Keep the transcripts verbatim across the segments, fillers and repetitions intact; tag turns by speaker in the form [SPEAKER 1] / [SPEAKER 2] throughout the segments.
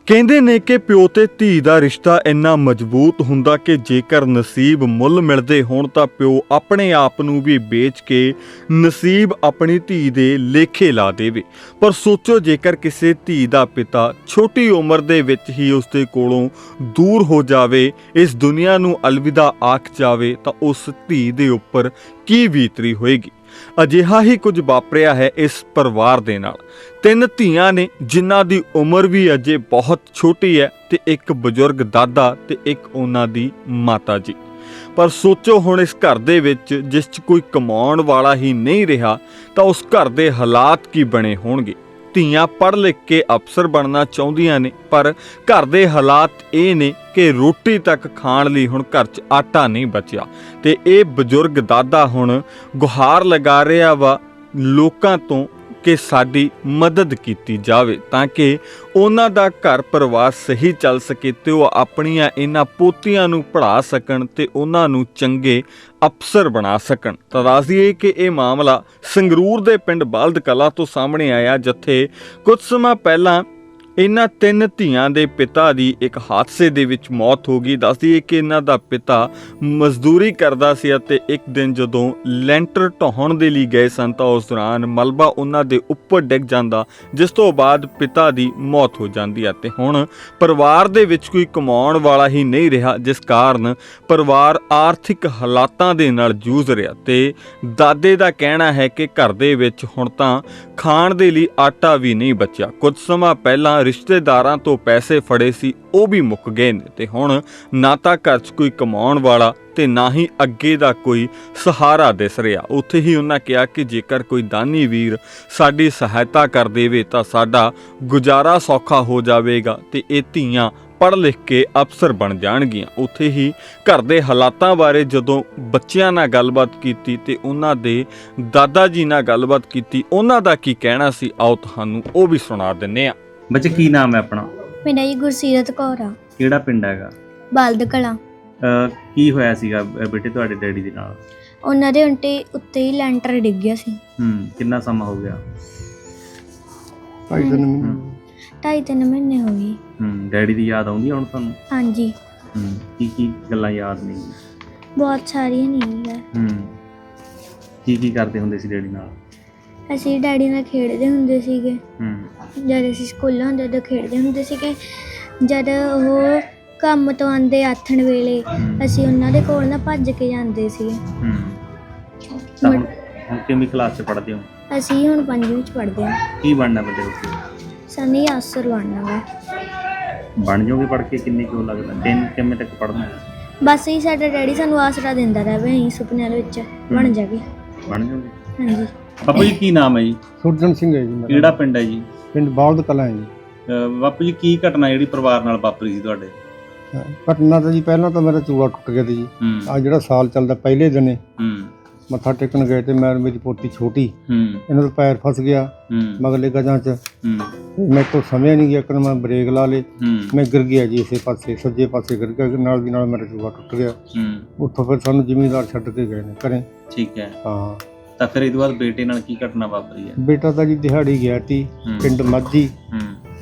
[SPEAKER 1] ਕਹਿੰਦੇ ਨੇ ਕਿ ਪਿਓ ਤੇ ਧੀ ਦਾ ਰਿਸ਼ਤਾ ਇੰਨਾ ਮਜ਼ਬੂਤ ਹੁੰਦਾ ਕਿ ਜੇਕਰ ਨਸੀਬ ਮੁੱਲ ਮਿਲਦੇ ਹੋਣ ਤਾਂ ਪਿਓ ਆਪਣੇ ਆਪ ਨੂੰ ਵੀ ਵੇਚ ਕੇ ਨਸੀਬ ਆਪਣੀ ਧੀ ਦੇ ਲੇਖੇ ਲਾ ਦੇਵੇ। ਪਰ ਸੋਚੋ, ਜੇਕਰ ਕਿਸੇ ਧੀ ਦਾ ਪਿਤਾ ਛੋਟੀ ਉਮਰ ਦੇ ਵਿੱਚ ਹੀ ਉਸਦੇ ਕੋਲੋਂ ਦੂਰ ਹੋ ਜਾਵੇ, ਇਸ ਦੁਨੀਆ ਨੂੰ ਅਲਵਿਦਾ ਆਖ ਜਾਵੇ, ਤਾਂ ਉਸ ਧੀ ਦੇ ਉੱਪਰ ਕੀ ਬੀਤਰੀ ਹੋਏਗੀ। ਅਜਿਹਾ ਹੀ ਕੁਝ ਵਾਪਰਿਆ ਹੈ ਇਸ ਪਰਿਵਾਰ ਦੇ ਨਾਲ। ਤਿੰਨ ਧੀਆਂ ਨੇ ਜਿਨ੍ਹਾਂ ਦੀ ਉਮਰ ਵੀ ਅਜੇ ਬਹੁਤ ਛੋਟੀ ਹੈ, ਤੇ ਇੱਕ ਬਜ਼ੁਰਗ ਦਾਦਾ ਤੇ ਇੱਕ ਉਹਨਾਂ ਦੀ ਮਾਤਾ ਜੀ। ਪਰ ਸੋਚੋ ਹੁਣ, ਇਸ ਘਰ ਦੇ ਵਿੱਚ ਜਿਸ 'ਚ ਕੋਈ ਕਮਾਉਣ ਵਾਲਾ ਹੀ ਨਹੀਂ ਰਿਹਾ, ਤਾਂ ਉਸ ਘਰ ਦੇ ਹਾਲਾਤ ਕੀ ਬਣੇ ਹੋਣਗੇ। ਧੀਆਂ ਪੜ੍ਹ ਲਿਖ ਕੇ ਅਫਸਰ ਬਣਨਾ ਚਾਹੁੰਦੀਆਂ ਨੇ, ਪਰ ਘਰ ਦੇ ਹਾਲਾਤ ਇਹ ਨੇ ਕਿ ਰੋਟੀ ਤੱਕ ਖਾਣ ਲਈ ਹੁਣ ਘਰ 'ਚ ਆਟਾ ਨਹੀਂ ਬਚਿਆ। ਤੇ ਇਹ ਬਜ਼ੁਰਗ ਦਾਦਾ ਹੁਣ ਗੁਹਾਰ ਲਗਾ ਰਿਹਾ ਵਾ ਲੋਕਾਂ ਤੋਂ ਕਿ ਸਾਡੀ ਮਦਦ ਕੀਤੀ ਜਾਵੇ, ਤਾਂ ਕਿ ਉਹਨਾਂ ਦਾ ਘਰ ਪਰਿਵਾਰ ਸਹੀ ਚੱਲ ਸਕੇ ਤੇ ਉਹ ਆਪਣੀਆਂ ਇਹਨਾਂ ਪੋਤੀਆਂ ਨੂੰ ਪੜ੍ਹਾ ਸਕਣ ਤੇ ਉਹਨਾਂ ਨੂੰ ਚੰਗੇ ਅਫਸਰ ਬਣਾ ਸਕਣ। ਤਾਂ ਦੱਸ ਦਈਏ ਕਿ ਇਹ ਮਾਮਲਾ ਸੰਗਰੂਰ ਦੇ ਪਿੰਡ ਬਲਦ ਕਲਾਂ ਤੋਂ ਸਾਹਮਣੇ ਆਇਆ, ਜਿੱਥੇ ਕੁਝ ਸਮਾਂ ਪਹਿਲਾਂ ਇਹਨਾਂ ਤਿੰਨ ਧੀਆਂ ਦੇ ਪਿਤਾ ਦੀ ਇੱਕ ਹਾਦਸੇ ਦੇ ਵਿੱਚ ਮੌਤ ਹੋ ਗਈ। ਦੱਸ ਦਈਏ ਕਿ ਇਹਨਾਂ ਦਾ ਪਿਤਾ ਮਜ਼ਦੂਰੀ ਕਰਦਾ ਸੀ ਅਤੇ ਇੱਕ ਦਿਨ ਜਦੋਂ ਲੈਂਟਰ ਢਾਹੁਣ ਦੇ ਲਈ ਗਏ ਸਨ ਤਾਂ ਉਸ ਦੌਰਾਨ ਮਲਬਾ ਉਹਨਾਂ ਦੇ ਉੱਪਰ ਡਿੱਗ ਜਾਂਦਾ, ਜਿਸ ਤੋਂ ਬਾਅਦ ਪਿਤਾ ਦੀ ਮੌਤ ਹੋ ਜਾਂਦੀ ਹੈ। ਤੇ ਹੁਣ ਪਰਿਵਾਰ ਦੇ ਵਿੱਚ ਕੋਈ ਕਮਾਉਣ ਵਾਲਾ ਹੀ ਨਹੀਂ ਰਿਹਾ, ਜਿਸ ਕਾਰਨ ਪਰਿਵਾਰ ਆਰਥਿਕ ਹਾਲਾਤਾਂ ਦੇ ਨਾਲ ਜੂਝ ਰਿਹਾ। ਤੇ ਦਾਦੇ ਦਾ ਕਹਿਣਾ ਹੈ ਕਿ ਘਰ ਦੇ ਵਿੱਚ ਹੁਣ ਤਾਂ ਖਾਣ ਦੇ ਲਈ ਆਟਾ ਵੀ ਨਹੀਂ ਬਚਿਆ। ਕੁਝ ਸਮਾਂ ਪਹਿਲਾਂ ਰਿਸ਼ਤੇਦਾਰਾਂ ਤੋਂ ਪੈਸੇ ਫੜੇ ਸੀ, ਉਹ ਵੀ ਮੁੱਕ ਗਏ ਨੇ, ਤੇ ਹੁਣ ਨਾ ਤਾਂ ਘਰ 'ਚ ਕੋਈ ਕਮਾਉਣ ਵਾਲਾ ਤੇ ਨਾ ਹੀ ਅੱਗੇ ਦਾ ਕੋਈ ਸਹਾਰਾ ਦਿਸ ਰਿਹਾ। ਉੱਥੇ ਹੀ ਉਹਨਾਂ ਕਿਹਾ ਕਿ ਜੇਕਰ ਕੋਈ ਦਾਨੀ ਵੀਰ ਸਾਡੀ ਸਹਾਇਤਾ ਕਰ ਦੇਵੇ ਤਾਂ ਸਾਡਾ ਗੁਜ਼ਾਰਾ ਸੌਖਾ ਹੋ ਜਾਵੇਗਾ ਤੇ ਇਹ ਧੀਆਂ ਪੜ੍ਹ ਲਿਖ ਕੇ ਅਫਸਰ ਬਣ ਜਾਣਗੀਆਂ। ਉੱਥੇ ਹੀ ਘਰ ਦੇ ਹਾਲਾਤਾਂ ਬਾਰੇ ਜਦੋਂ ਬੱਚਿਆਂ ਨਾਲ ਗੱਲਬਾਤ ਕੀਤੀ ਤੇ ਉਹਨਾਂ ਦੇ ਦਾਦਾ ਜੀ ਨਾਲ ਗੱਲਬਾਤ ਕੀਤੀ, ਉਹਨਾਂ ਦਾ ਕੀ ਕਹਿਣਾ ਸੀ, ਆਓ ਤੁਹਾਨੂੰ ਉਹ ਵੀ ਸੁਣਾ ਦਿੰਨੇ ਆ।
[SPEAKER 2] ਬੱਚੇ ਕੀ ਨਾਮ ਹੈ ਆਪਣਾ?
[SPEAKER 3] ਮੇਰਾ ਜੀ ਗੁਰਸੀਰਤ ਕੌਰ ਆ।
[SPEAKER 2] ਕਿਹੜਾ ਪਿੰਡ ਹੈਗਾ?
[SPEAKER 3] ਬਲਦ ਕਲਾਂ।
[SPEAKER 2] ਅਹ ਕੀ ਹੋਇਆ ਸੀਗਾ ਬੇਟੇ ਤੁਹਾਡੇ ਡੈਡੀ ਦੇ ਨਾਲ?
[SPEAKER 3] ਉਹਨਾਂ ਦੇ ਉਲਟੇ ਉੱਤੇ ਹੀ ਲੈਂਟਰ ਡਿੱਗ ਗਿਆ ਸੀ।
[SPEAKER 2] ਹੂੰ ਕਿੰਨਾ ਸਮਾਂ ਹੋ ਗਿਆ?
[SPEAKER 3] ਢਾਈ ਤਿੰਨ ਮਹੀਨੇ ਢਾਈ ਤਿੰਨ ਮਹੀਨੇ ਹੋ ਗਏ।
[SPEAKER 2] ਹੂੰ ਡੈਡੀ ਦੀ ਯਾਦ ਆਉਂਦੀ ਹੁਣ ਤੁਹਾਨੂੰ?
[SPEAKER 3] ਹਾਂਜੀ।
[SPEAKER 2] ਹੂੰ ਕੀ ਕੀ ਗੱਲਾਂ ਯਾਦ ਨੇ?
[SPEAKER 3] ਬਹੁਤ ਸਾਰੀਆਂ ਨਹੀਂ ਹੈ।
[SPEAKER 2] ਹੂੰ ਕੀ ਕੀ ਕਰਦੇ ਹੁੰਦੇ ਸੀ ਡੈਡੀ ਨਾਲ?
[SPEAKER 3] ਅਸੀਂ ਡੈਡੀ ਨਾਲ ਖੇਡਦੇ ਹੁੰਦੇ ਸੀਗੇ।
[SPEAKER 2] ਹੂੰ
[SPEAKER 3] ਜਦ ਅਸੀਂ ਸਕੂਲਾਂ ਹੁੰਦੇ ਉਦੋਂ ਖੇਡਦੇ ਹੁੰਦੇ ਸੀਗੇ। ਜਦ ਉਹ ਕੰਮ ਤੋਂ ਆਉਂਦੇ ਆਥਣ ਵੇਲੇ ਅਸੀਂ ਉਹਨਾਂ ਦੇ ਕੋਲ ਨਾ ਭੱਜ ਕੇ ਜਾਂਦੇ ਸੀ।
[SPEAKER 2] ਹੂੰ ਤਾਂ ਹੁਣ ਹੁਣ ਕਿੰਨੀ ਕਲਾਸ 'ਚ ਪੜ੍ਹਦੇ ਹੋ?
[SPEAKER 3] ਅਸੀਂ ਹੁਣ ਪੰਜਵੀਂ ਵਿੱਚ ਪੜ੍ਹਦੇ ਹਾਂ।
[SPEAKER 2] ਕੀ ਬਣਨਾ ਵੱਡੇ ਹੋ ਕੇ?
[SPEAKER 3] ਸਾਨੂੰ ਅਫਸਰ ਬਣਨਾ ਵਾ।
[SPEAKER 2] ਬਣ ਜਾਓਗੇ ਪੜ੍ਹ ਕੇ? ਕਿੰਨੇ ਕਿਉਂ ਲੱਗਦਾ? ਤਿੰਨ ਕਿੰਨੇ ਤੱਕ ਪੜ੍ਹਨਾ?
[SPEAKER 3] ਬਸ ਹੀ ਸਾਡਾ ਡੈਡੀ ਸਾਨੂੰ ਆਸਰਾ ਦਿੰਦਾ ਰਿਹਾ ਵੀ ਅਸੀਂ ਸੁਪਨਿਆਂ ਦੇ ਵਿੱਚ ਬਣ ਜਾਗੇ।
[SPEAKER 2] ਬਣ ਜਾਓਗੇ?
[SPEAKER 3] ਹਾਂਜੀ।
[SPEAKER 2] ਬਾਪੂ ਜੀ ਕੀ ਨਾਮ ਹੈ ਜੀ?
[SPEAKER 4] ਸੁਰਜਨ ਸਿੰਘ ਹੈ ਜੀ ਮੇਰਾ।
[SPEAKER 2] ਕਿਹੜਾ ਪਿੰਡ ਹੈ ਜੀ?
[SPEAKER 4] ਪਿੰਡ ਬਲਦ ਕਲਾਂ ਹੈ ਜੀ।
[SPEAKER 2] ਅਹ ਬਾਪੂ ਜੀ ਕੀ ਘਟਨਾ ਜਿਹੜੀ ਪਰਿਵਾਰ ਨਾਲ ਵਾਪਰੀ ਸੀ ਤੁਹਾਡੇ?
[SPEAKER 4] ਘਟਨਾ ਤਾਂ ਜੀ ਪਹਿਲਾਂ ਤਾਂ ਮੇਰਾ ਚੂੜਾ ਟੁੱਟ ਗਿਆ ਸੀ ਜੀ।
[SPEAKER 2] ਹੂੰ
[SPEAKER 4] ਆ ਜਿਹੜਾ ਸਾਲ ਚੱਲਦਾ ਪਹਿਲੇ ਦਿਨੇ
[SPEAKER 2] ਹੂੰ
[SPEAKER 4] ਮੱਥਾ ਟੇਕਣ ਗਏ ਤੇ ਮੈਂ ਮੇਰੀ ਪੋਤੀ ਛੋਟੀ,
[SPEAKER 2] ਹੂੰ
[SPEAKER 4] ਇਹਨਾਂ ਦਾ ਪੈਰ ਫਸ ਗਿਆ
[SPEAKER 2] ਹੂੰ
[SPEAKER 4] ਮਗਲੇ ਗਜਾਂ 'ਚ।
[SPEAKER 2] ਹੂੰ
[SPEAKER 4] ਮੇਰੇ ਤੋਂ ਸਮਝ ਨਹੀਂ ਗਿਆ ਕਿ ਮੈਂ ਬ੍ਰੇਕ ਲਾ ਲੇ,
[SPEAKER 2] ਹੂੰ
[SPEAKER 4] ਮੈਂ ਗਿਰ ਗਿਆ ਜੀ ਇਸੇ ਪਾਸੇ, ਸੱਜੇ ਪਾਸੇ ਗਿਰ ਗਿਆ। ਨਾਲ ਦੀ ਨਾਲ ਮੇਰਾ ਚੂੜਾ ਟੁੱਟ ਗਿਆ।
[SPEAKER 2] ਹੂੰ
[SPEAKER 4] ਉੱਥੋਂ ਫਿਰ ਸਾਨੂੰ ਜ਼ਿਮੀਂਦਾਰ ਛੱਡ ਕੇ ਗਏ ਨੇ ਘਰੇ।
[SPEAKER 2] ਠੀਕ ਹੈ।
[SPEAKER 4] ਹਾਂ
[SPEAKER 2] ਤਾਂ ਫਿਰ ਇਹਦੇ ਬਾਅਦ ਬੇਟੇ ਨਾਲ ਕੀ ਘਟਨਾ ਵਾਪਰੀ ਹੈ?
[SPEAKER 4] ਬੇਟਾ ਤਾਂ ਜੀ ਦਿਹਾੜੀ ਗਿਆ ਸੀ
[SPEAKER 2] ਹੂੰ।
[SPEAKER 4] ਪਿੰਡ ਮਾਝੀ।
[SPEAKER 2] ਹੂੰ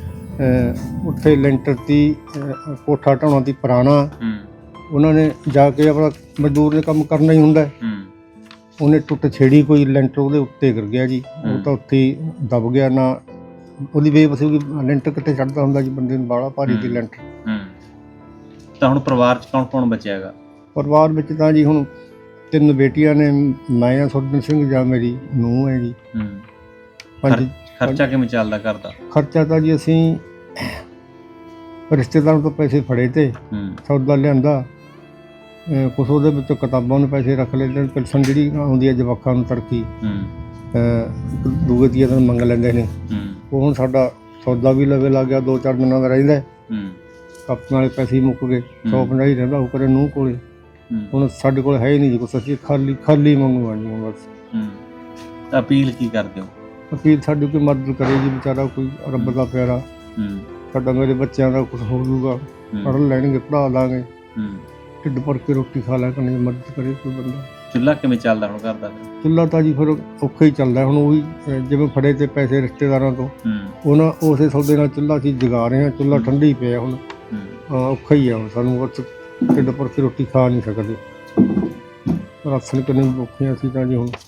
[SPEAKER 4] ਅਹ ਉੱਥੇ ਲੈਂਟਰ ਦੀ ਅਹ ਕੋਠਾ ਢਾਉਣਾ ਦੀ ਪੁਰਾਣਾ।
[SPEAKER 2] ਹੂੰ
[SPEAKER 4] ਉਹਨਾਂ ਨੇ ਜਾ ਕੇ ਆਪਣਾ ਮਜ਼ਦੂਰ ਦੇ ਕੰਮ ਕਰਨਾ ਹੀ ਹੁੰਦਾ।
[SPEAKER 2] ਹੂੰ
[SPEAKER 4] ਉਹਨੇ ਟੁੱਟ ਛੇੜੀ, ਕੋਈ ਲੈਂਟਰ ਉਹਦੇ ਉੱਤੇ ਗਿਰ ਗਿਆ ਜੀ। ਉਹ ਤਾਂ ਉੱਥੇ ਹੀ ਦਬ ਗਿਆ। ਨਾ ਉਹਦੀ ਬੇਵਸੀ ਵੀ ਲੈਂਟਰ ਕਿੱਥੇ ਚੜਦਾ ਹੁੰਦਾ ਜੀ, ਬੰਦੇ ਨੂੰ ਬਾਹਲਾ ਭਾਰੀ ਦੀ ਲੈਂਟਰ।
[SPEAKER 2] ਹੂੰ ਤਾਂ ਹੁਣ ਪਰਿਵਾਰ 'ਚ ਕੌਣ ਕੌਣ ਬਚਿਆ ਹੈਗਾ?
[SPEAKER 4] ਪਰਿਵਾਰ ਵਿੱਚ ਤਾਂ ਜੀ ਹੁਣ ਤਿੰਨ ਬੇਟੀਆਂ ਨੇ, ਮੈਂ ਆ ਸੁਰਜਨ ਸਿੰਘ, ਜਾਂ ਮੇਰੀ ਨੂੰਹ ਹੈ ਜੀ।
[SPEAKER 2] ਹੂੰ
[SPEAKER 4] ਹਾਂਜੀ।
[SPEAKER 2] ਖਰਚਾ ਕਿਵੇਂ ਚੱਲਦਾ ਘਰ ਦਾ?
[SPEAKER 4] ਖਰਚਾ ਤਾਂ ਜੀ ਅਸੀਂ ਰਿਸ਼ਤੇਦਾਰਾਂ ਤੋਂ ਪੈਸੇ ਫੜੇ ਤੇ
[SPEAKER 2] ਹੂੰ
[SPEAKER 4] ਸੌਦਾ ਲਿਆਂਦਾ। ਅਹ ਕੁਛ ਉਹਦੇ ਵਿੱਚੋਂ ਕਿਤਾਬਾਂ ਨੂੰ ਪੈਸੇ ਰੱਖ ਲਏ ਤੇ ਪੈਨਸ਼ਨ ਜਿਹੜੀ ਆਉਂਦੀ ਹੈ ਜਵਾਕਾਂ ਨੂੰ ਤੜਕੀ
[SPEAKER 2] ਹੂੰ
[SPEAKER 4] ਅਹ ਦੂਏ ਤੀਏ ਦਿਨ ਮੰਗ ਲੈਂਦੇ ਨੇ।
[SPEAKER 2] ਹੂੰ
[SPEAKER 4] ਉਹ ਹੁਣ ਸਾਡਾ ਸੌਦਾ ਵੀ ਲਵੇ ਲੱਗ ਗਿਆ, ਦੋ ਚਾਰ ਦਿਨਾਂ ਦਾ ਰਹਿੰਦਾ।
[SPEAKER 2] ਹੂੰ
[SPEAKER 4] ਕਾਪੀਆਂ ਵਾਲੇ ਪੈਸੇ ਹੀ ਮੁੱਕ ਗਏ। ਸੌ ਪੰਜਾਹ ਹੀ ਰਹਿੰਦਾ ਉਹ ਕਰੇ ਨੂੰਹ ਕੋਲੇ।
[SPEAKER 2] ਹੂੰ
[SPEAKER 4] ਹੁਣ ਸਾਡੇ ਕੋਲ ਹੈ ਹੀ ਨਹੀਂ ਜੀ ਕੁਛ, ਅਸੀਂ ਖਾਲੀ ਖਾਲੀ ਮੰਗੂ ਆ ਜੀ ਹੁਣ ਬਸ।
[SPEAKER 2] ਹੂੰ ਤਾਂ ਅਪੀਲ ਕੀ ਕਰਦੇ ਹੋ?
[SPEAKER 4] ਅਪੀਲ ਸਾਡੀ ਕੋਈ ਮਦਦ ਕਰੇ ਜੀ, ਵਿਚਾਰਾ ਕੋਈ ਰੱਬ ਦਾ ਪਿਆਰਾ।
[SPEAKER 2] ਹੂੰ
[SPEAKER 4] ਸਾਡਾ ਮੇਰੇ ਬੱਚਿਆਂ ਦਾ ਕੁਛ ਹੋ ਜੂਗਾ,
[SPEAKER 2] ਹੂੰ
[SPEAKER 4] ਪੜ੍ਹ ਲੈਣਗੇ, ਪੜ੍ਹਾ ਦਾਂਗੇ,
[SPEAKER 2] ਹੂੰ
[SPEAKER 4] ਢਿੱਡ ਭਰ ਕੇ ਰੋਟੀ ਖਾ ਲੈ ਕਰਨੀ, ਮਦਦ ਕਰੇ ਕੋਈ ਬੰਦਾ।
[SPEAKER 2] ਚੁੱਲ੍ਹਾ ਕਿਵੇਂ ਚੱਲਦਾ ਹੁਣ ਘਰ ਦਾ ਫਿਰ?
[SPEAKER 4] ਚੁੱਲ੍ਹਾ ਤਾਂ ਜੀ ਫਿਰ ਔਖਾ ਹੀ ਚੱਲਦਾ ਹੁਣ। ਉਹੀ ਅਹ, ਜਿਵੇਂ ਫੜੇ ਤੇ ਪੈਸੇ ਰਿਸ਼ਤੇਦਾਰਾਂ ਤੋਂ,
[SPEAKER 2] ਹੂੰ
[SPEAKER 4] ਉਹਨਾਂ ਉਸੇ ਸੌਦੇ ਨਾਲ ਚੁੱਲ੍ਹਾ ਅਸੀਂ ਜਗਾ ਰਹੇ ਹਾਂ। ਚੁੱਲ੍ਹਾ ਠੰਡਾ ਹੀ ਪਿਆ ਹੁਣ।
[SPEAKER 2] ਹੂੰ
[SPEAKER 4] ਹਾਂ, ਔਖਾ ਹੀ ਆ ਹੁਣ ਸਾਨੂੰ, ਬਸ ਢਿੱਡ ਭਰ ਕੇ ਰੋਟੀ ਖਾ ਨਹੀਂ ਸਕਦੇ। ਰਾਸ਼ਨ ਕਿੰਨੇ ਔਖੇ ਅਸੀਂ ਤਾਂ ਜੀ ਹੁਣ।